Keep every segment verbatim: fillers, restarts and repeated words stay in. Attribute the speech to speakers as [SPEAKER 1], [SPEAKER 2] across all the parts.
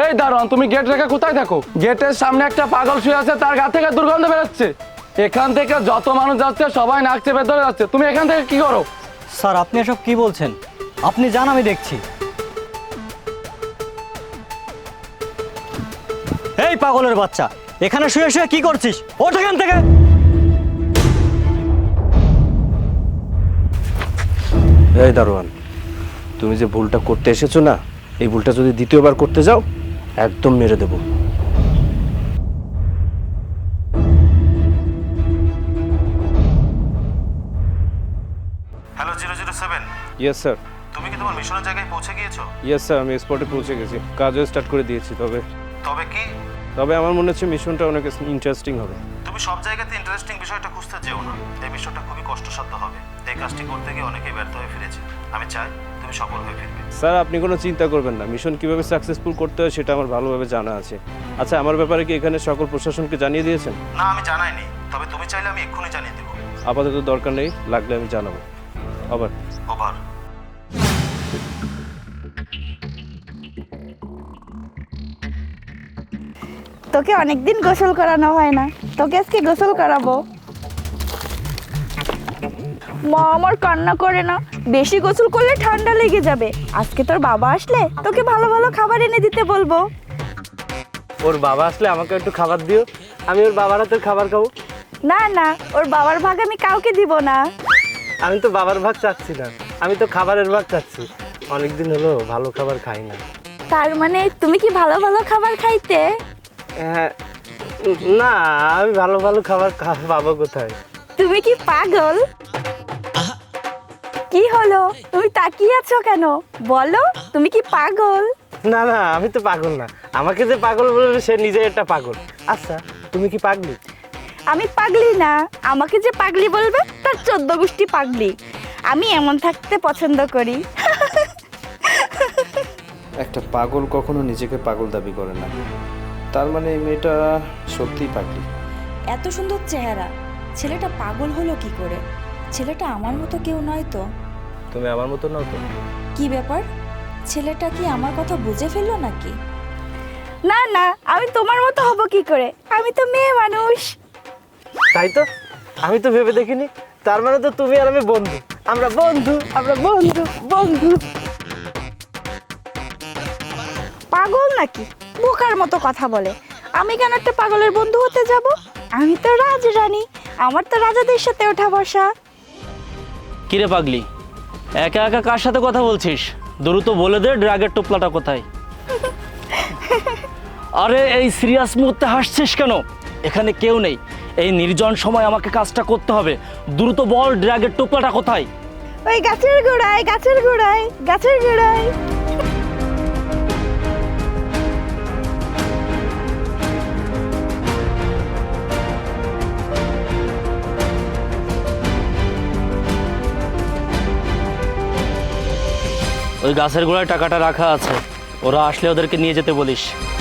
[SPEAKER 1] এই দারোয়ান, তুমি গেট রেখে কোথায় থাকো? গেটের সামনে একটা পাগল শুয়ে আছে, তার গা থেকে দুর্গন্ধ বেরোচ্ছে। এখান থেকে যত মানুষ যাচ্ছে সবাই নাক চেপে ধরে যাচ্ছে, তুমি এখান থেকে কি করো?
[SPEAKER 2] স্যার আপনি এসব কি বলছেন? আপনি যান, আমি দেখছি। এই পাগলের বাচ্চা, এখানে শুয়ে শুয়ে কি করছিস? ওঠ এখান থেকে।
[SPEAKER 3] এই দারোয়ান, তুমি যে ভুলটা করতে এসেছো না, এই ভুলটা যদি দ্বিতীয়বার করতে যাও একদম মেরে দেবো।
[SPEAKER 4] Hello zero zero seven,
[SPEAKER 3] yes sir.
[SPEAKER 4] তুমি কি তোমার মিশনের জায়গায় পৌঁছে গিয়েছো?
[SPEAKER 3] ইয়েস স্যার, আমি স্পটে পৌঁছে গেছি, কাজও স্টার্ট করে দিয়েছি। তবে
[SPEAKER 4] তবে কি?
[SPEAKER 3] তবে আমার মনে হচ্ছে মিশনটা অনেক ইন্টারেস্টিং হবে।
[SPEAKER 4] তুমি সব জায়গাতে ইন্টারেস্টিং বিষয়টা খুঁজতে যেও না, এই বিষয়টা খুবই কষ্টসাধ্য হবে। এই কাজটি করতে গিয়ে অনেকেই ব্যর্থ হয়ে ফিরেছে। আমি চাই তুমি সফল হয়ে ফিরবে।
[SPEAKER 3] স্যার আপনি কোনো চিন্তা করবেন না, মিশন কিভাবে সাকসেসফুল করতে হয় সেটা আমার ভালোভাবে জানা আছে। আচ্ছা, আমার ব্যাপারে কি এখানে সকল প্রশাসনকে জানিয়ে দিয়েছেন?
[SPEAKER 4] না, আমি জানাইনি, তবে তুমি চাইলে আমি এক্ষুনি জানিয়ে দেবো।
[SPEAKER 3] আপাতত দরকার নেই, লাগলে আমি জানাবো। আবার
[SPEAKER 4] ওভার।
[SPEAKER 5] তোকে অনেকদিন গোসল করানো হয় না, তোকে আজকে গোসল করাবো। মা আমার কান্না করে না, বেশি গোসল করলে ঠান্ডা লেগে যাবে। আজকে তোর বাবা আসলে তোকে ভালো ভালো খাবার এনে দিতে বলবো।
[SPEAKER 3] ওর বাবা আসলে আমাকে একটু খাবার দিও, আমি ওর বাবার হাতের খাবার খাবো।
[SPEAKER 5] না না, ওর বাবার ভাগ আমি কাউকে দিব না।
[SPEAKER 3] আমি তো বাবার ভাগ চাচ্ছি না, আমি তো খাবারের ভাগ চাচ্ছি। অনেকদিন হলো ভালো খাবার খাই না।
[SPEAKER 5] তার মানে তুমি কি ভালো ভালো খাবার খাইতে?
[SPEAKER 3] হ্যাঁ, না, আমি ভালো ভালো খাবার পাবো কোথায়?
[SPEAKER 5] তুমি কি পাগল? কি হলো, তুমি তাকিয়ে আছো কেন? বলো, তুমি কি পাগল?
[SPEAKER 3] না না, আমি তো পাগল না, আমাকে যে পাগল বলবে সে নিজে একটা পাগল। আচ্ছা, তুমি কি পাগলি?
[SPEAKER 5] আমি পাগলি না, আমাকে যে পাগলি বলবে তার চোদ্দ গোষ্ঠী পাগলি। আমি এমন থাকতে পছন্দ করি।
[SPEAKER 3] একটা পাগল কখনো নিজেকে পাগল দাবি করে না, তার মানে এই মেয়েটা সত্যিই পাগলি।
[SPEAKER 6] এত সুন্দর চেহারা, ছেলেটা পাগল হলো কি করে? ছেলেটা আমার মতো কেউ নয় তো?
[SPEAKER 3] তুমি আমার মতো নাও তো?
[SPEAKER 6] কি ব্যাপার, ছেলেটা কি আমার কথা বুঝে ফেললো নাকি?
[SPEAKER 5] না না, আমি তোমার মতো হব কি করে? আমি তো মেয়ে মানুষ।
[SPEAKER 3] তাই তো, আমি তো ভেবে দেখিনি। তার মানে তো তুমি আর আমি বন্ধু, আমরা বন্ধু, আমরা বন্ধু বন্ধু।
[SPEAKER 5] পাগল নাকি? বোকার মতো কথা বলে। আমি কেন একটা পাগলের বন্ধু হতে যাব? আমি তো রাজরানী, আমার তো রাজাদের সাথে ওঠা বসা।
[SPEAKER 2] কিরে পাগলি, একা একা কার সাথে কথা বলছিস? দ্রুত বলে দে ড্রাগের টোপলাটা কোথায়। আরে এই সিরিয়াস মুহূর্তে হাসছিস কেন? এখানে কেউ নেই, এই নির্জন সময় আমাকে কাজটা করতে হবে। দ্রুত বল ড্রাগের টোপলাটা কোথায়?
[SPEAKER 5] ওই গাছের গোড়ায়, গাছের গোড়ায়, গাছের গোড়ায়।
[SPEAKER 2] ওই গাছের গোড়ায় টাকাটা রাখা আছে, ওরা আসলে ওদেরকে নিয়ে যেতে বলিস।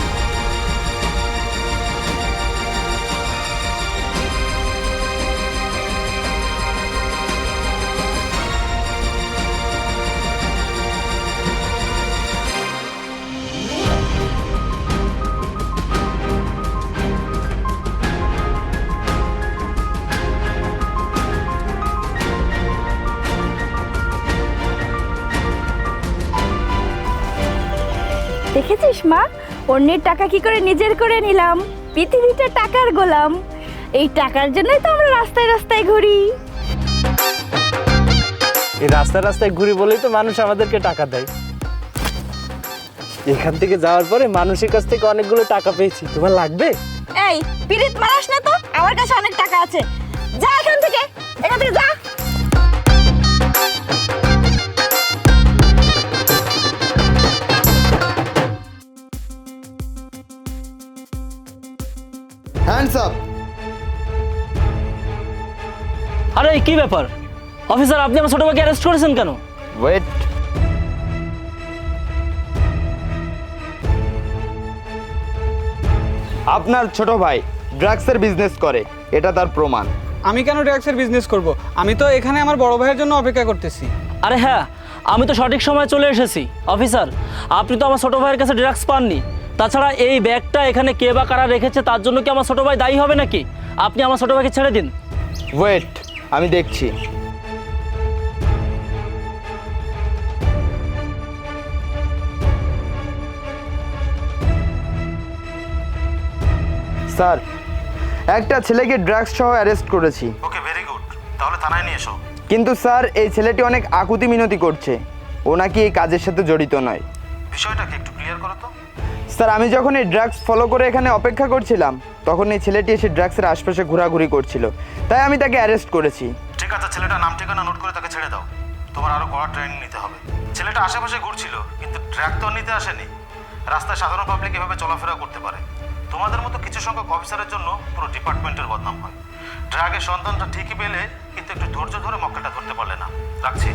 [SPEAKER 5] দেখেছিস মা, অন্যের টাকা কি করে নিজের করে নিলাম? পৃথিবীটা টাকার গোলাম। এই টাকার জন্যই তো আমরা রাস্তায় রাস্তায় ঘুরি।
[SPEAKER 3] এই রাস্তায় রাস্তায় ঘুরি বলেই তো মানুষ আমাদেরকে টাকা দেয়। এখান থেকে যাওয়ার পরে মানুষের কাছ থেকে অনেকগুলো টাকা পেয়েছি, তোমার লাগবে?
[SPEAKER 5] এই পিরিত মারাস না তো, আমার কাছে অনেক টাকা আছে। যা এখান থেকে, এখান থেকে যা।
[SPEAKER 7] Hands up.
[SPEAKER 2] আরে কি ব্যাপার অফিসার, আপনি আমার ছোট ভাইকে অ্যারেস্ট করেছেন কেন?
[SPEAKER 7] ওয়েট, আপনার ছোট ভাই ড্রাগসের বিজনেস করে, এটা তার প্রমাণ।
[SPEAKER 8] আমি কেন ড্রাগসের বিজনেস করব? আমি তো এখানে আমার বড় ভাইয়ের জন্য অপেক্ষা করতেছি।
[SPEAKER 2] আরে হ্যাঁ, আমি তো সঠিক সময় চলে এসেছি। অফিসার, আপনি তো আমার ছোট ভাইয়ের কাছে ড্রাগস পাননি, তাছাড়া এই ব্যাগটা এখানে কে বা কারা রেখেছে তার জন্য কি আমার ছোটো ভাই দায়ী হবে নাকি? আপনি আমার ছোটো ভাইকে ছেড়ে দিন।
[SPEAKER 7] ওয়েট, আমি দেখছি। স্যার, একটা ছেলেকে ড্রাগস সহ অ্যারেস্ট করেছি।
[SPEAKER 4] Okay, very good. তাহলে থানায় নিয়ে এসো।
[SPEAKER 7] কিন্তু স্যার, এই ছেলেটি অনেক আকুতি মিনতি করছে। ও নাকি এই কাজের সাথে জড়িত নয়।
[SPEAKER 4] বিষয়টাকে একটু ক্লিয়ার করো তো।
[SPEAKER 7] স্যার, আমি যখন এই ড্রাগস ফলো করে এখানে অপেক্ষা করছিলাম, তখন এই ছেলেটি এসে ড্রাগসের আশপাশে ঘোরাঘুরি করছিল, তাই আমি তাকে অ্যারেস্ট করেছি।
[SPEAKER 4] ঠিক আছে, ছেলেটার নাম ঠিকানা নোট করে তাকে ছেড়ে দাও। তোমার আরো কড়া ট্রেনিং নিতে হবে। ছেলেটা আশেপাশে ঘুরছিল, কিন্তু ড্রাগ তো আর নিতে আসেনি। রাস্তায় সাধারণ পাবলিক এভাবে চলাফেরা করতে পারে। তোমাদের মতো কিছু সংখ্যক অফিসারের জন্য পুরো ডিপার্টমেন্টের বদনাম হয়। ড্রাগের সন্তানটা ঠিকই পেলে, কিন্তু একটু ধৈর্য ধরে মক্কেলটা ধরতে পারলে না। রাখছি।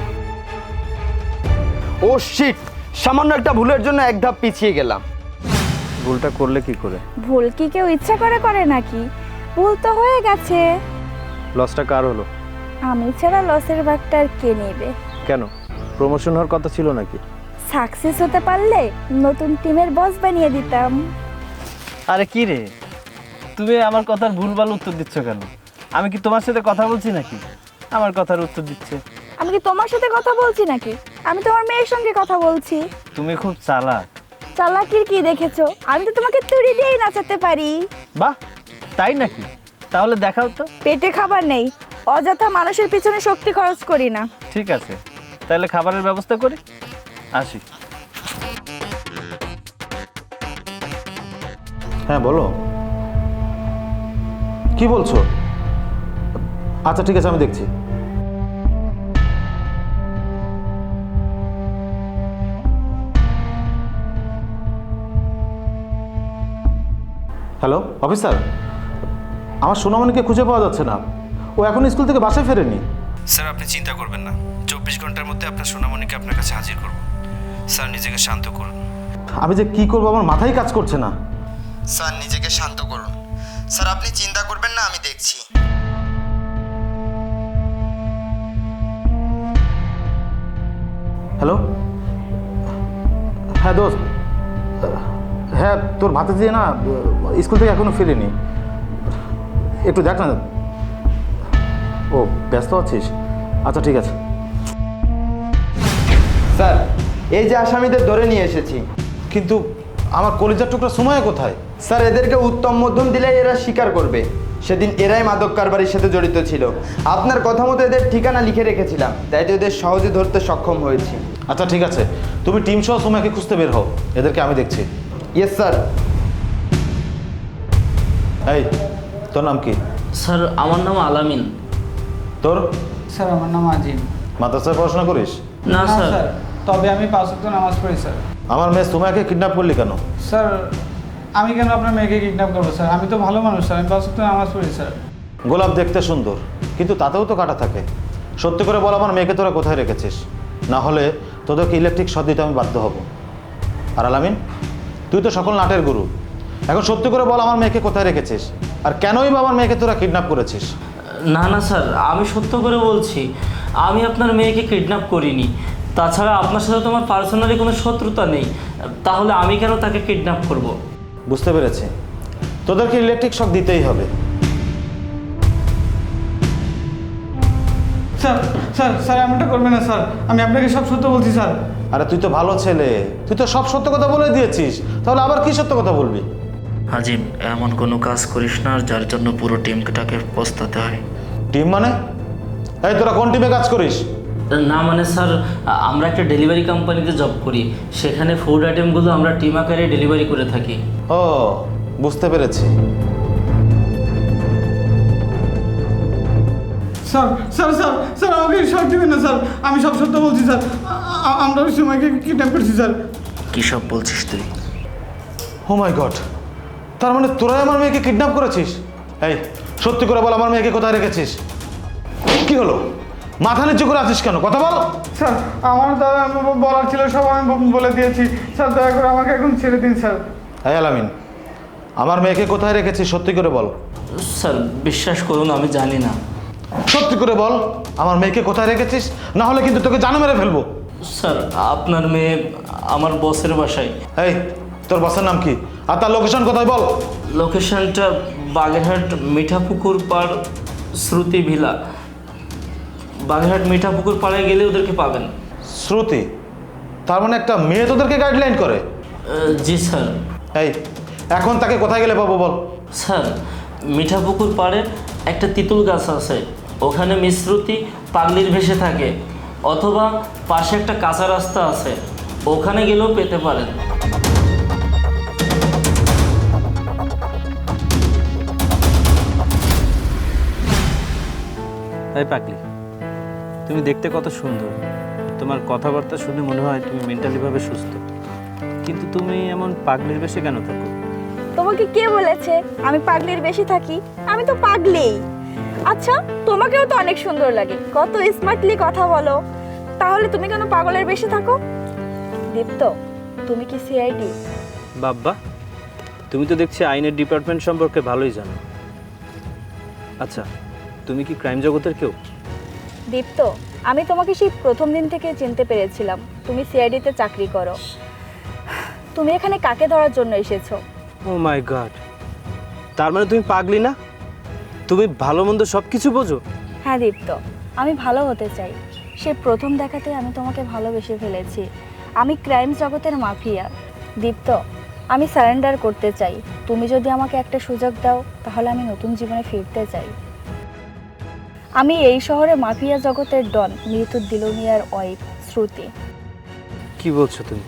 [SPEAKER 7] ও শিট, সামান্য একটা ভুলের জন্য এক ধাপ পিছিয়ে গেলাম।
[SPEAKER 3] ভুলটা করলে কি করে?
[SPEAKER 5] ভুল কি কেউ ইচ্ছা করে করে নাকি? ভুল তো হয়ে গেছে।
[SPEAKER 3] লসটা কার হলো?
[SPEAKER 5] আমি ছাড়া লসের ভাগটা আর কে নেবে?
[SPEAKER 3] কেন, প্রমোশন হওয়ার কথা ছিল নাকি?
[SPEAKER 5] সাকসেস হতে পারলে নতুন টিমের বস বানিয়ে দিতাম।
[SPEAKER 3] আরে কি রে, তুমি আমার কথার ভুলভাল উত্তর দিচ্ছ কেন? আমি কি তোমার সাথে কথা বলছি নাকি আমার কথার উত্তর দিচ্ছে?
[SPEAKER 5] আমি কি তোমার সাথে কথা বলছি নাকি? আমি তোমার মেয়ের সঙ্গে কথা বলছি।
[SPEAKER 3] তুমি খুব চালাক।
[SPEAKER 5] চালাকির কি দেখেছো? আমি তো তোমাকে তুড়ি দিয়েই নাচাতে পারি।
[SPEAKER 3] বাহ, তাই নাকি? তাহলে দেখাও তো।
[SPEAKER 5] পেটে খাবার নেই, অযথা মানুষের পিছনে শক্তি খরচ করি না।
[SPEAKER 3] ঠিক আছে, তাহলে খাবারের ব্যবস্থা করি, আসি।
[SPEAKER 4] হ্যাঁ বলো, কি বলছো? আচ্ছা ঠিক আছে, আমি দেখছি। হ্যালো অফিসার, আমার সোনামণিকে খুঁজে পাওয়া যাচ্ছে না। ও এখন স্কুল থেকে বাসায় ফেরেনি।
[SPEAKER 3] স্যার, আপনি চিন্তা করবেন না, চব্বিশ ঘন্টার মধ্যে আপনার সোনামণিকে আপনার কাছে হাজির করব। স্যার, নিজেকে শান্ত করুন।
[SPEAKER 4] আমি যে কি করবো আমার মাথায় কাজ করছে না।
[SPEAKER 7] স্যার, নিজেকে শান্ত করুন। স্যার, আপনি চিন্তা করবেন না, আমি দেখছি।
[SPEAKER 4] হ্যালো, হ্যাঁ দোস্ত, হ্যাঁ তোর ভাতিজি না স্কুল থেকে এখনো ফিরেনি, একটু দেখ না। ও ব্যস্ত আছিস? আচ্ছা ঠিক আছে।
[SPEAKER 7] স্যার, এই যে আসামিদের ধরে নিয়ে এসেছি।
[SPEAKER 4] কিন্তু আমার কলিজার টুকরা সময় কোথায়?
[SPEAKER 7] স্যার, এদেরকে উত্তম মধ্যম দিলে এরা স্বীকার করবে সেদিন এরাই মাদক কারবারির সাথে জড়িত ছিল। আপনার কথা মতো এদের ঠিকানা লিখে রেখেছিলাম, তাই তো এদের সহজে ধরতে সক্ষম হয়েছি।
[SPEAKER 4] আচ্ছা ঠিক আছে, তুমি টিম সহ সময়কে খুঁজতে বের হও, এদেরকে আমি দেখছি।
[SPEAKER 7] Yes sir.
[SPEAKER 4] এই, তোর নাম কি?
[SPEAKER 2] স্যার, আমার নাম আলামিন।
[SPEAKER 4] তোর?
[SPEAKER 8] স্যার, আমার নাম আজিম।
[SPEAKER 4] মাদ্রাসায় পড়াশোনা করিস?
[SPEAKER 2] না
[SPEAKER 8] না
[SPEAKER 2] স্যার।
[SPEAKER 8] স্যার, তবে আমি পাঁচ ওয়াক্ত নামাজ পড়ি স্যার।
[SPEAKER 4] আমার মেয়ে সুমাইয়াকে কিডন্যাপ করলি কেন?
[SPEAKER 8] স্যার, আমি কেন আপনার মেয়েকে কিডন্যাপ করবো স্যার? আমি তো ভালো মানুষ স্যার, আমি পাঁচ ওয়াক্ত নামাজ পড়ি স্যার।
[SPEAKER 4] গোলাপ দেখতে সুন্দর, কিন্তু তাতেও তো কাটা থাকে। সত্যি করে বল, আমার মেয়েকে তোরা কোথায় রেখেছিস? না হলে তোদেরকে ইলেকট্রিক শট দিতে আমি বাধ্য হব। আর আলামিন, তুই তো সকল নাটের গুরু, এখন সত্যি করে বল আমার মেয়েকে কোথায় রেখেছিস, আর কেনই বা আমার মেয়েকে তোরা কিডন্যাপ করেছিস?
[SPEAKER 2] না না স্যার, আমি সত্য করে বলছি, আমি আপনার মেয়েকে কিডন্যাপ করিনি। তাছাড়া আপনার সাথে তো আমার পার্সোনালি কোনো শত্রুতা নেই, তাহলে আমি কেন তাকে কিডন্যাপ করব?
[SPEAKER 4] বুঝতে পেরেছি, তোদেরকে ইলেকট্রিক শক দিতেই হবে।
[SPEAKER 8] স্যার স্যার স্যার এমনটা করবেন না স্যার, আমি আপনাকে সব সত্য বলছি স্যার।
[SPEAKER 4] আরে তুই তো ভালো ছেলে, তুই তো সব সত্য কথা বলে দিয়েছিস, তাহলে আবার কি সত্য কথা বলবি?
[SPEAKER 9] আজিম, এমন কোনো কাজ করিস না যার জন্য পুরো টিমটাকে পস্তাতে হয়।
[SPEAKER 4] টিম মানে? এই তোরা কোন টিমে কাজ করিস?
[SPEAKER 2] না মানে স্যার, আমরা একটা ডেলিভারি কোম্পানিতে জব করি, সেখানে ফুড আইটেমগুলো আমরা টিম আকারে ডেলিভারি করে থাকি।
[SPEAKER 4] ও, বুঝতে পেরেছি।
[SPEAKER 8] স্যার স্যার স্যার স্যার আমাকে শর্ট দিবেন না স্যার, আমি সব সত্য বলছি স্যার। আ- আমরা ওই সময়কে কিডন্যাপ করছি স্যার।
[SPEAKER 9] কী সব বলছিস তুই?
[SPEAKER 4] ও মাই গড, তার মানে তোরাই আমার মেয়েকে কিডন্যাপ করেছিস? এই সত্যি করে বল, আমার মেয়েকে কোথায় রেখেছিস? কি হলো, মাথা নিচু করে আছিস কেন? কথা বল।
[SPEAKER 8] স্যার, আমার দাদা বলার ছিল সব আমি ব- বলে দিয়েছি স্যার, দয়া করে আমাকে এখন ছেড়ে দিন স্যার।
[SPEAKER 4] এই আলামিন, আমার মেয়েকে কোথায় রেখেছিস সত্যি করে বল।
[SPEAKER 2] স্যার, বিশ্বাস করুন আমি জানি না।
[SPEAKER 4] সত্যি করে বল, আমার মেয়েকে কোথায় রেখেছিস, না হলে কিন্তু তোকে জানো মেরে ফেলবো।
[SPEAKER 2] স্যার, আপনার মেয়ে আমার বসের বাসায়।
[SPEAKER 4] এই তোর বসের নাম কি আর তার লোকেশন কোথায় বল?
[SPEAKER 2] লোকেশনটা বাগেরহাট মিঠাপুকুর পাড় শ্রুতি ভিলা। বাগেরহাট মিঠাপুকুর পাড়ে গেলে ওদেরকে পাবেন।
[SPEAKER 4] শ্রুতি? তার মানে একটা মেয়ে তোদেরকে গাইডলাইন করে?
[SPEAKER 2] আহ, জি স্যার।
[SPEAKER 4] এই এখন তাকে কোথায় গেলে পাবো বল?
[SPEAKER 2] স্যার, মিঠাপুকুর পাড়ে একটা তিতুল গাছ আছে, ওখানে মিশ্রুতি পাগলির ভেসে থাকে, অথবা পাশে একটা কাঁচা রাস্তা আছে, ওখানে গেলেও পেতে পারেন।
[SPEAKER 3] তাই পাগলি, তুমি দেখতে কত সুন্দর, তোমার কথাবার্তা শুনে মনে হয় তুমি মেন্টালিভাবে সুস্থ, কিন্তু তুমি এমন পাগলির বেশে কেন থাকো?
[SPEAKER 5] তোমাকে কে বলেছে আমি পাগলির বেশি থাকি? আমি তো পাগলিই। আচ্ছা, তোমাকেও তো অনেক সুন্দর লাগে, কত স্মার্টলি কথা বলো, তাহলে তুমি কেন পাগলের বেশি থাকো? দীপ্ত, তুমি কি সিআইডি?
[SPEAKER 3] বাব্বা, তুমি তো দেখছি আইনের ডিপার্টমেন্ট সম্পর্কে ভালোই জানো। আচ্ছা, তুমি কি ক্রাইম জগতের কেউ?
[SPEAKER 5] দীপ্ত, আমি তোমাকে সেই প্রথম দিন থেকে চিনতে পেরেছিলাম তুমি সিআইডিতে চাকরি করো। তুমি এখানে কাকে ধরার জন্য এসেছো?
[SPEAKER 3] ও মাই গড, তার মানে তুমি পাগলি না? তুমি ভালো মন্দ সব কিছু বোঝো?
[SPEAKER 5] হ্যাঁ দীপ্ত, আমি ভালো হতে চাই। সে প্রথম দেখাতে আমি তোমাকে ভালোবেসে ফেলেছি। আমি ক্রাইম জগতের মাফিয়া। দীপ্ত, আমি সারেন্ডার করতে চাই। তুমি যদি আমাকে একটা সুযোগ দাও তাহলে আমি নতুন জীবনে ফিরতে চাই। আমি এই শহরে মাফিয়া জগতের ডন মৃত দিলুমিয়ার ওয়াইফ শ্রুতি।
[SPEAKER 3] কি বলছো তুমি?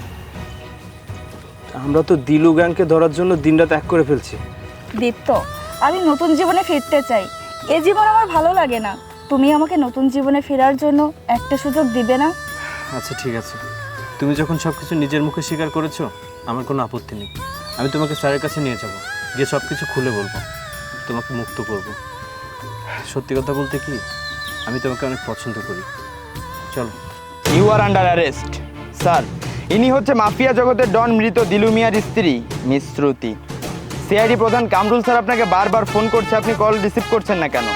[SPEAKER 3] আমরা তো দিলু গ্যাংকে ধরার জন্য দিনরাত এক করে ফেলছি।
[SPEAKER 5] দীপ্ত, আমি নতুন জীবনে ফিরতে চাই। এ জীবন আমার ভালো লাগে না। তুমি আমাকে নতুন জীবনে ফেরার জন্য একটা সুযোগ দিবে না?
[SPEAKER 3] আচ্ছা ঠিক আছে, তুমি যখন সব কিছু নিজের মুখে স্বীকার করেছো, আমার কোনো আপত্তি নেই। আমি তোমাকে স্যারের কাছে নিয়ে যাব, গিয়ে সব কিছু খুলে বলবো, তোমাকে মুক্ত করব। সত্যি কথা বলতে কি, আমি তোমাকে অনেক পছন্দ করি। চলো।
[SPEAKER 7] You are under arrest sir. ইনি হচ্ছে মাফিয়া জগতের ডন মৃত দিলু মিয়ার স্ত্রী মিস শ্রুতি। সিআইডি প্রধান কামরুল স্যার আপনাকে বারবার ফোন করছে, আপনি কল রিসিভ করছেন না কেন?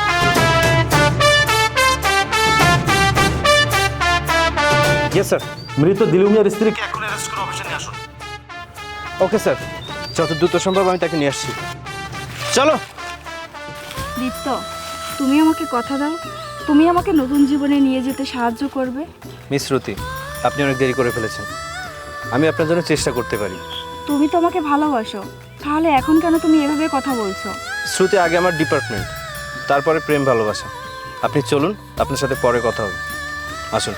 [SPEAKER 3] Yes sir.
[SPEAKER 4] মৃত দিলু মিয়ার স্ত্রীকে এখন অ্যারেস্ট করে অফিসে নিয়ে আসুন।
[SPEAKER 3] ওকে স্যার, যত দ্রুত সম্ভব আমি তাকে নিয়ে আসছি। চলো।
[SPEAKER 5] দীপ্ত, তুমি আমাকে কথা দাও, তুমি আমাকে নতুন জীবনে নিয়ে যেতে সাহায্য করবে।
[SPEAKER 3] মিস শ্রুতি, আপনি অনেক দেরি করে ফেলেছেন, আমি আপনার জন্য চেষ্টা করতে পারি।
[SPEAKER 5] তুমি তো আমাকে ভালোবাসো, তাহলে এখন কেন তুমি এভাবে কথা বলছো?
[SPEAKER 3] শ্রুতি আগে আমার ডিপার্টমেন্ট, তারপরে প্রেম ভালোবাসা। আপনি চলুন, আপনার সাথে পরে কথা হবে। আসুন।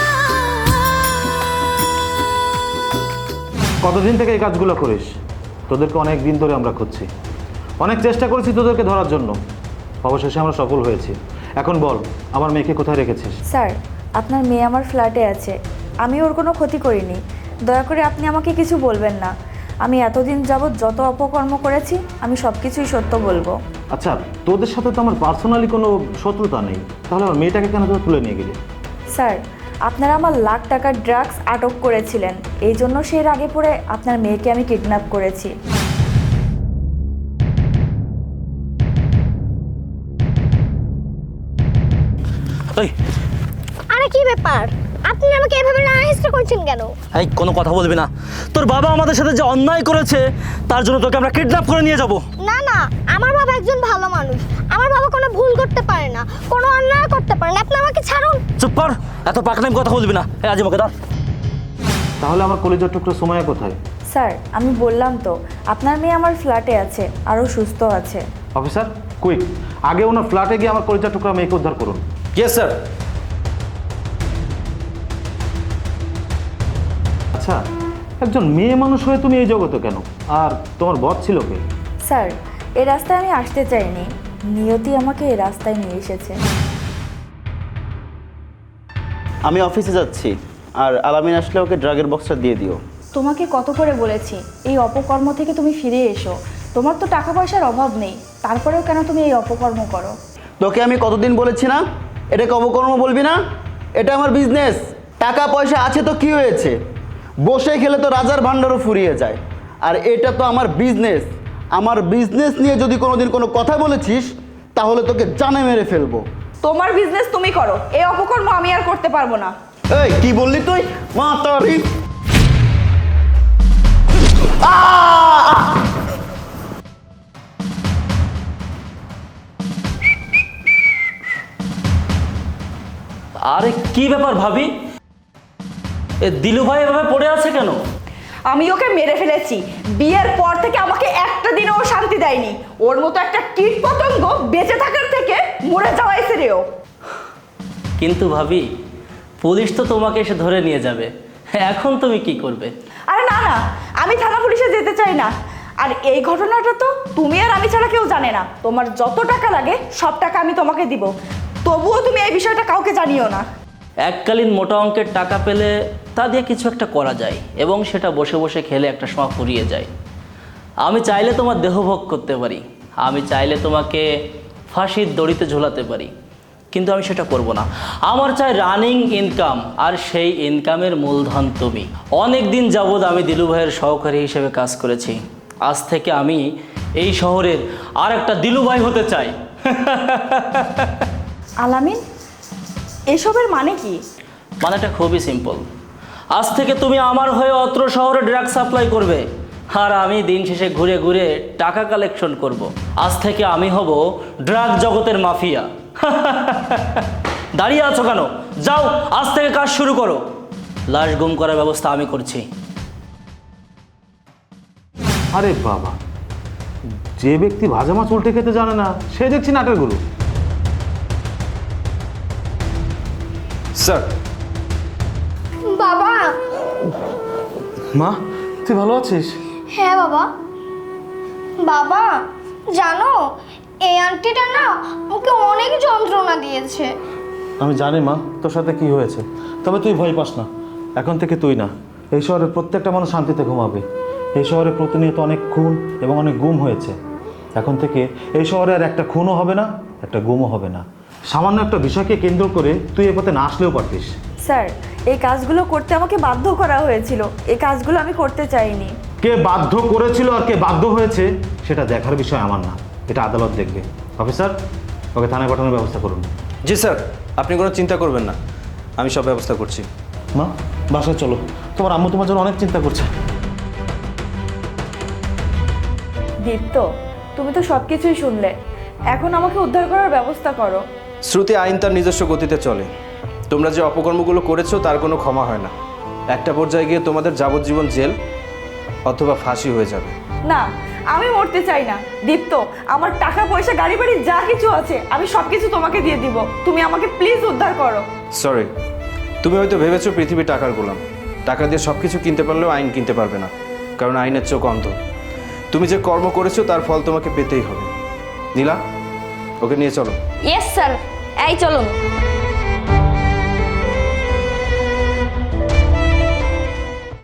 [SPEAKER 4] কতদিন থেকে এই কাজগুলো করিস? তোদেরকে অনেক দিন ধরে আমরা খুঁজছি, অনেক চেষ্টা করেছি তোদেরকে ধরার জন্য, অবশেষে আমরা সফল হয়েছি। এখন বল, আমার মেয়েকে কোথায় রেখেছিস?
[SPEAKER 6] স্যার, আপনার মেয়ে আমার ফ্ল্যাটে আছে, আমি ওর কোনো ক্ষতি করিনি। দয়া করে আপনি আমাকে কিছু বলবেন না। আমি এতদিন যাবৎ যত অপকর্ম করেছি আমি সব কিছুই সত্য বলবো।
[SPEAKER 4] আচ্ছা, তোদের সাথে তো আমার পার্সোনালি কোনো শত্রুতা নেই, তাহলে আমার মেয়েটাকে কেন তোরা তুলে নিয়ে গেলি?
[SPEAKER 6] স্যার, আপনারা আমার লাখ টাকার ড্রাগস আটক করেছিলেন, এই জন্য সেই রাগে পড়ে আপনার মেয়েকে আমি কিডন্যাপ করেছি।
[SPEAKER 10] আরে কি ব্যাপার, আপনি আমাকে এভাবে নাহিস্ট করছেন কেন?
[SPEAKER 2] এই কোনো কথা বলবি না। তোর বাবা আমাদের সাথে যে অন্যায় করেছে তার জন্য তোকে আমরা কিডন্যাপ করে নিয়ে যাব।
[SPEAKER 10] না না, আমার বাবা একজন ভালো মানুষ, আমার বাবা কোনো ভুল করতে পারে না, কোনো অন্যায় করতে পারে না। আপনি আমাকে ছাড়ুন।
[SPEAKER 2] চুপ কর, এত পাকনাম কথা বলবি না। এই আজ আমাকে দাও।
[SPEAKER 4] তাহলে আমার কলেজের টুকরো সময় কোথায়?
[SPEAKER 6] স্যার, আমি বললাম তো আপনার মেয়ে আমার ফ্ল্যাটে আছে, আরও সুস্থ আছে।
[SPEAKER 4] অফিসার, কুইক, আগে ওনার ফ্ল্যাটে গিয়ে আমার কলেজের টুকরা মেয়েকে উদ্ধার করুন।
[SPEAKER 3] Yes sir.
[SPEAKER 4] আচ্ছা, একজন মেয়ে মানুষ হয়ে তুমি এই জগতে কেন? আর তোমার বস ছিল কে?
[SPEAKER 6] স্যার, এই রাস্তায় আমি আসতে চাইনি, নিয়তি আমাকে এই রাস্তায় নিয়ে এসেছে।
[SPEAKER 11] আমি অফিসে যাচ্ছি, আর আলামিন আসলে ওকে ড্রাগের বক্সটা দিয়ে দিও।
[SPEAKER 5] তোমাকে কত করে বলেছি এই অপকর্ম থেকে তুমি ফিরে এসো। তোমার তো টাকা পয়সার অভাব নেই, তারপরেও কেন তুমি এই অপকর্ম করো?
[SPEAKER 11] তোকে আমি কতদিন বলেছি না এটাকে অপকর্ম বলবি না? এটা আমার বিজনেস, টাকা পয়সা আছে তো কি হয়েছে, বসে খেলে তো রাজার ভাণ্ডারও ফুরিয়ে যায়। আর এটা তো আমার বিজনেস, আমার বিজনেস নিয়ে যদি কোনোদিন কোনো কথা বলেছিস তাহলে তোকে জানে মেরে ফেলবো।
[SPEAKER 5] তোমার বিজনেস তুমি করো, এই অপকর্ম আমি আর করতে পারবো না।
[SPEAKER 11] এই কি বললি তুই? মা তারি
[SPEAKER 2] আরে কি ব্যাপার ভাবি, এ দিলু ভাই এভাবে পড়ে আছে কেন?
[SPEAKER 6] আমি ওকে মেরে ফেলেছি। বিয়ের পর থেকে আমাকে একটা দিনও শান্তি দেয়নি। ওর মতো একটা কীট পতঙ্গ বেঁচে থাকার থেকে মরে যাওয়াই শ্রেয়।
[SPEAKER 2] কিন্তু ভাবি, পুলিশ তো তোমাকে এসে ধরে নিয়ে যাবে, এখন তুমি কি করবে?
[SPEAKER 6] আরে না না, আমি থানা পুলিশে যেতে চাই না। আর এই ঘটনাটা তো তুমি আর আমি ছাড়া কেউ জানে না। তোমার যত টাকা লাগে সব টাকা আমি তোমাকে দিব, তবুও তুমি এই বিষয়টা কাউকে জানিও না।
[SPEAKER 2] এককালীন মোটা অঙ্কের টাকা পেলে তা দিয়ে কিছু একটা করা যায় এবং সেটা বসে বসে খেলে একটা সময় ফুরিয়ে যায়। আমি চাইলে তোমার দেহভোগ করতে পারি, আমি চাইলে তোমাকে ফাঁসির দড়িতে ঝোলাতে পারি, কিন্তু আমি সেটা করব না। আমার চাই রানিং ইনকাম, আর সেই ইনকামের মূলধন তুমি। অনেক দিন যাবৎ আমি দিলু ভাইয়ের সহকারী হিসেবে কাজ করেছি, আজ থেকে আমি এই শহরের আর একটা দিলু ভাই হতে চাই।
[SPEAKER 6] আলামিন, এসবের মানে কি?
[SPEAKER 2] মানেটা খুবই সিম্পল। আজ থেকে তুমি আমার হয়ে অত্র শহরে ড্রাগ সাপ্লাই করবে, আর আমি দিন শেষে ঘুরে ঘুরে টাকা কালেকশন করব। আজ থেকে আমি হব ড্রাগ জগতের মাফিয়া। দাঁড়িয়ে আছো কেন? যাও, আজ থেকে কাজ শুরু করো। লাশ গুম করার ব্যবস্থা আমি করছি।
[SPEAKER 4] আরে বাবা, যে ব্যক্তি ভাজা মাছ উল্টে খেতে জানে না সে দেখছি নাটের গুরু।
[SPEAKER 3] স্যার।
[SPEAKER 10] বাবা।
[SPEAKER 4] মা, তুই ভালো আছিস?
[SPEAKER 10] হ্যাঁ বাবা। বাবা জানো, এই আন্টিটা না ওকে অনেক যন্ত্রণা দিয়েছে।
[SPEAKER 4] আমি জানি মা তোর সাথে কি হয়েছে, তবে তুই ভয় পাস না। এখন থেকে তুই না, এই শহরের প্রত্যেকটা মানুষ শান্তিতে ঘুমাবে। এই শহরে প্রতিনিয়ত অনেক খুন এবং অনেক গুম হয়েছে। এখন থেকে এই শহরে আর একটা খুনও হবে না, একটা গুমও হবে না। সামান্য একটা বিষয়কে কেন্দ্র করে তুই এ পথে না আসলেও পারতিস।
[SPEAKER 6] স্যার, এই কাজগুলো করতে আমাকে বাধ্য করা হয়েছিল। এই কাজগুলো আমি করতে চাইনি।
[SPEAKER 4] কে বাধ্য করেছিল আর কে বাধ্য হয়েছে সেটা দেখার বিষয় আমার না, এটা আদালত দেখবে। অফিসার, ওকে থানায় পাঠানোর ব্যবস্থা করুন।
[SPEAKER 3] জি স্যার, আপনি কোনো চিন্তা করবেন না, আমি সব ব্যবস্থা করছি।
[SPEAKER 4] মা, বাসায় চলো, তোমার আম্মু তোমার জন্য অনেক চিন্তা করছে।
[SPEAKER 6] দীপ্ত, তুমি তো সব কিছুই শুনলে, এখন আমাকে উদ্ধার করার ব্যবস্থা করো।
[SPEAKER 3] শ্রুতি, আইন তার নিজস্ব গতিতে চলে। তোমরা যে অপকর্মগুলো করেছো তার কোনো ক্ষমা হয় না। একটা পর্যায়ে গিয়ে তোমাদের যাবজ্জীবন জেল অথবা ফাঁসি হয়ে যাবে।
[SPEAKER 6] না, আমি মরতে চাই না। দীপ্ত, আমার টাকা পয়সা গাড়ি বাড়ি যা কিছু আছে আমি সব কিছু তোমাকে দিয়ে দিব। তুমি আমাকে প্লিজ উদ্ধার করো।
[SPEAKER 3] সরি, তুমি হয়তো ভেবেছো পৃথিবী টাকার গোলাম। টাকা দিয়ে সব কিছু কিনতে পারলেও আইন কিনতে পারবে না, কারণ আইনের চোখ অন্ধ। তুমি যে কর্ম করেছো তার ফল তোমাকে পেতেই হবে। নীলা, ওকে নিয়ে চলো।
[SPEAKER 5] ইয়েস স্যার, এই চলুন।